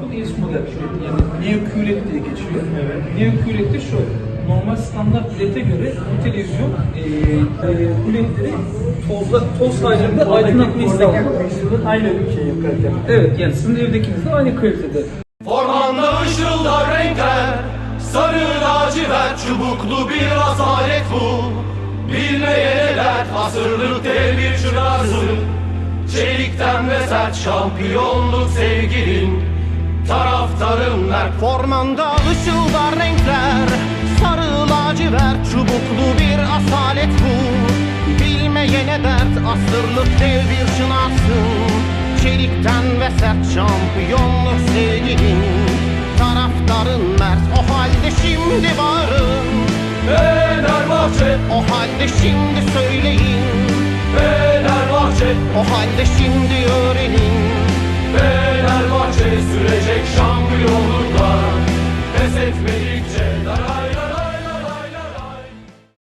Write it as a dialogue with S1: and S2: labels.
S1: ES model kület, yani Neo QLED diye geçiyor.
S2: Evet.
S1: Neo QLED de şu, normal standart LED'e göre bu televizyon QLED'leri toz halinde aydınlatmayı sağlıyor.
S2: Aynı şey yaparken.
S1: Evet, yani sizin evdekiniz de aynı kalitede.
S3: Ormanda ışıldar renkler, sarı lacivert çubuklu bir asalet bu. Bilmeyene dert, asırlık dev bir çırağısın. Çelikten ve sert şampiyonluk sevgilin. Taraftarın mert.
S4: Formanda ışıldar renkler, sarı lacivert çubuklu bir asalet bu. Bilmeyene dert, asırlık dev bir çınarsın. Çelikten ve sert şampiyonluk sevgilin. Taraftarın mert, o halde şimdi bağırın.
S3: Fenerbahçe,
S4: O halde şimdi söyleyin.
S3: Fenerbahçe,
S4: O halde şimdi öğrenin.
S3: Fenerbahçe sürecek şampiyonluklar. Pes etmedikçe darar.